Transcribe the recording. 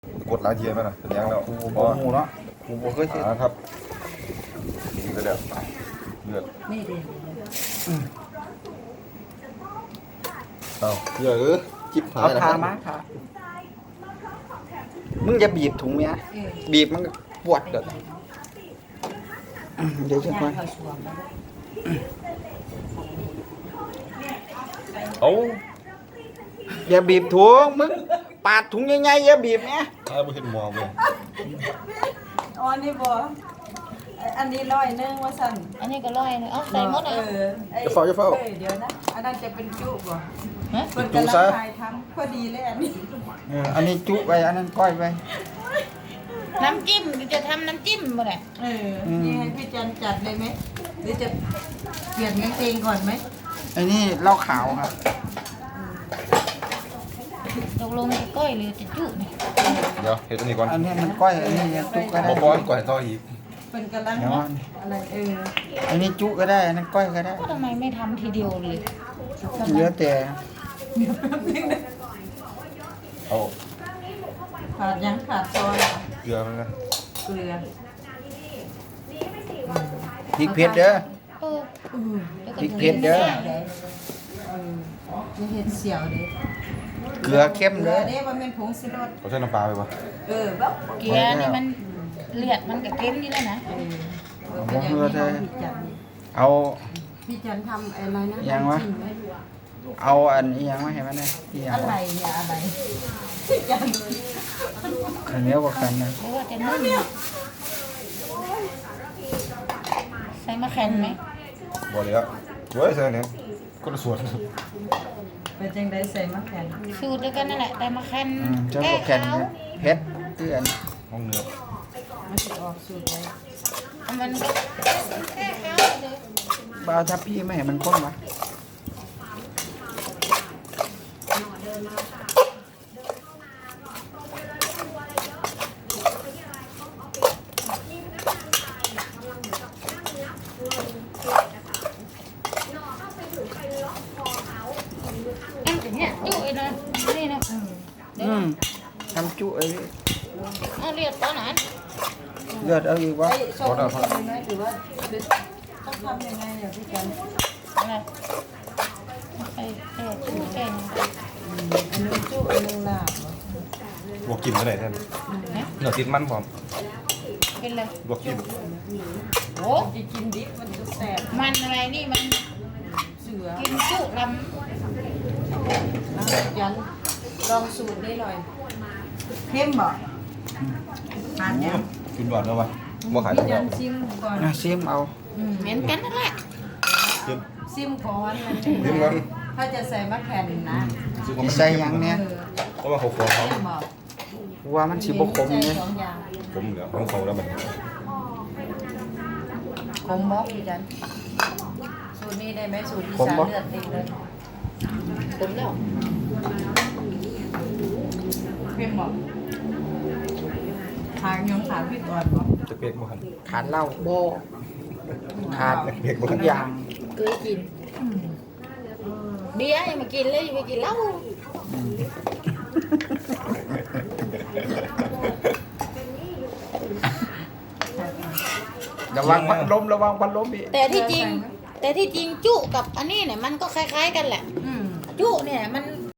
กดหลายทีไหมนะเป็นยังแล้วกูบ่หูเนาะกูบ่เคยเห็นครับนี่ก็เดือดเลือดนี่ดิเอ้าเลือดจิบหายเอาแล้วทามาค่ะมึงจะบีบถุงเมียบีบมันก็ปวดเด้อเดี๋ยวจะย่างมาเขาสวมแล้วเอ้าอย่าบีบถุงมึงปาดถุงใหญ่ๆอย่าบีบแม่ถ้าไม่เห็นหมอเลยอ๋อนี่บ่อันนี้100ว่าสั่นอันนี้ก็ร้อยนึงเอาใส่หมดอ่ะจะเฝ้าจะเฝ้าเดี๋ยวนะอันนั้นจะเป็นจุบ่ฮะเพิ่นกำลังถ่ายทำพอดีเลยอันนี้อันนี้จุไปอันนั้นก้อยไปน้ำจิ้มจะทำน้ำจิ้มบ่ได้นี่ให้พี่จันจัดเลยไหมหรือจะเปลี่ยนกางเกงก่อนไหมไอ้นี่เหล้าขาวครับตกลงจะก้อยหรือจะจุเนี่ยเดี๋ยวเห็ดอันนี้ก่อนอันนี้มันก้อยอันนี้จุก็ได้บ่ป้อนก่อนให้ต่ออีกเพิ่นกำลังเดี๋ยวอันอะไรอันนี้จุก็ได้อันนั้นก้อยก็ได้ก็ทำไมไม่ทำทีเดียวเลยเหลือแต่เอาขาดยังขาดซอยเกลือมันนะเกลือพริกเผ็ดเด้อเออแล้วก็พริกเผ็ดเด้อนี่เห็ดเสียวเด้เกลือเข้มเกลืเด้ออเด้ว่าเป็นผงชูรสเขาใช้น้ำปลาไปปะแบบเกลือนี่มันเลือดมันก็เค็มนี่แล้วนะเป็นอย่างนี้ของพี่จันเอาพี่จันทำอะไรนะยังวะน้ำจิ้มไหมเอาอันนี้ยังไม่เห็นมันเลยที่ยังอะไรเนี่ยอะไรพี่จันข้าวเหนียวกับกันนะหรือว่าจะนึ่งใส่มะแขนไหมบ่เลยอ่ะเว้ยใส่เนี่ยก็ละส่วนเป็นจังไดใส่มะแขวนสูตรเดียวกันนั่นแหละแต่มะแขนเจ้าแก้กับแคนขาวเผ็ดเตือนห้องเนื้อมันจะออกสูตรไว้มันแก้ขาวเลยบ่าวทับพี่ไม่เห็นมันข้นวะอันอย่างเนี้ยจุ้ยนะนี่นะเดี๋ยวทำจุไอ้เอาเรียกตอนนั้นเลือดเอาอีกวะไอ้ส้มเป็นไหมหรือว่าต้องทำยังไงเนี่ยพี่จันอะไรใส่แก้จุ้ยแก้อันนึงจุอันนึงลาบเหรอลวกกินก็ได้แทนนะเนื้อติดมันพร้อมเป็นไรลวกกินโอ้จะกินดิบมันจะแสบมันอะไรนี่มันเสือกินจุลจันลองสูตรนี้หน่อยเข้มบ่ทานยังกินหวานแล้ววะบ่ขายพี่แล้วจันซิมก่อนซิมเอาำเหมือนกันนั่นแหละกินซิมก่อนมันซิมก่อนถ้าจะใส่มะแขวนนะซื้อของมันใส่หยังเนี่ยเพราะว่าเขาขอเขาเข้มบ่ว่ามันสิบ่ขมใส่เนี่ยสองอย่างผมเหลือของเขาแล้วมันขมบ่พี่จันสูตรนี้ได้ไหมสูตรอีสานเลือดติดเลยผมแล้วเข้มบ่ทางยังขาดพี่ก่อนบ่จะเปียกบ่หันขาดเหล้าโบขาดเปียกบ่ทุหันกอย่างเคยกินเบียร์ยังมากินเลยยังมากินเหล้าระวังพัดลมระวังพัดลมอีกแต่ที่จริงจุกับอันนี้เนี่ยมันก็คล้ายๆกันแหละอืมจุเนี่ยมัน